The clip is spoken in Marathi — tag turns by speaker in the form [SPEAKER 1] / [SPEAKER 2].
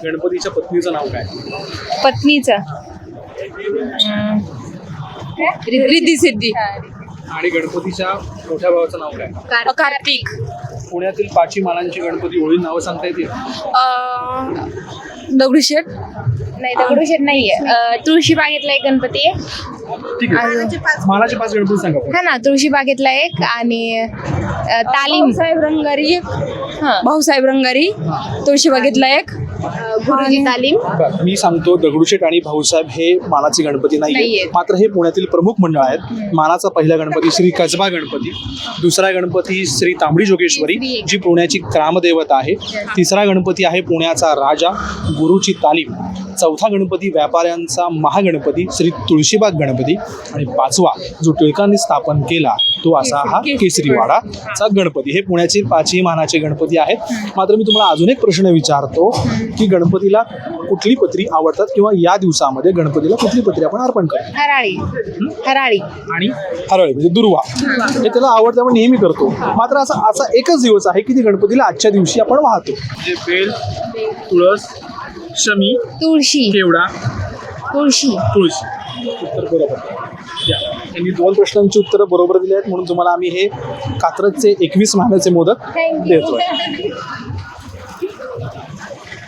[SPEAKER 1] गणपतीच्या पत्नीचं नाव काय?
[SPEAKER 2] पत्नीचं रिद्धी सिद्धी.
[SPEAKER 1] आणि गणपतीच्या मोठ्या भावाचं नाव काय?
[SPEAKER 2] कार्तिक.
[SPEAKER 1] पुण्यातील 5 मानांची गणपती ओळी नावं सांगता येतील?
[SPEAKER 2] दगडूशेठ. नाही दगडूशेठ नाहीये. तुळशी बागेतला एक गणपती आहे.
[SPEAKER 1] ठीक आहे, मानाचे 5 गणपती सांगा पण.
[SPEAKER 2] हा ना, तुळशी बागेतला एक आणि तालीम साहेब रंगारी एक. भाऊसाहेब रंगारी. तुळशी बागेतला एक. गुरुजी तालीम.
[SPEAKER 1] बरं, मी सांगतो दगडूशेठ आणि भाऊसाहेब हे मानाचे गणपती नाहीये,
[SPEAKER 2] नाहीये.
[SPEAKER 1] मात्र हे पुण्यातील प्रमुख मंडळ आहेत. मानाचा पहिला गणपती श्री कसबा गणपती, दुसरा गणपती श्री तांबडी जोगेश्वरी जी पुण्याची ग्रामदेवता आहे, तिसरा गणपती आहे पुण्याचा राजा गुरुची तालीम, चौथा गणपती व्यापाऱ्यांचा महागणपती श्री तुळशीबाग गणपती आणि 5वा जो टिळकांनी स्थापन केला तो असा हा केसरीवाडाचा गणपती. हे पुण्याचे 5ही मानाचे गणपती आहेत. मात्र मी तुम्हाला अजून एक प्रश्न विचारतो की गणपतीला कुठली पत्री आवडतात किंवा या दिवसामध्ये गणपतीला कुठली पत्री आपण अर्पण करतो?
[SPEAKER 2] हराळी. हराळी
[SPEAKER 1] आणि हरळी म्हणजे दुर्वा, हे त्याला आवडतं, आपण नेहमी करतो. मात्र असा एकच दिवस आहे की ती गणपतीला आजच्या दिवशी आपण वाहतो. म्हणजे बेल, तुळस, शमी,
[SPEAKER 2] तुळशी.
[SPEAKER 1] केवडा,
[SPEAKER 2] तुळशी.
[SPEAKER 1] तुळशी. उत्तर बरोबर. यांनी 2 प्रश्नांची उत्तरं बरोबर दिली आहेत म्हणून तुम्हाला आम्ही हे कात्रजचे 21 महिन्याचे मोदक देतोय.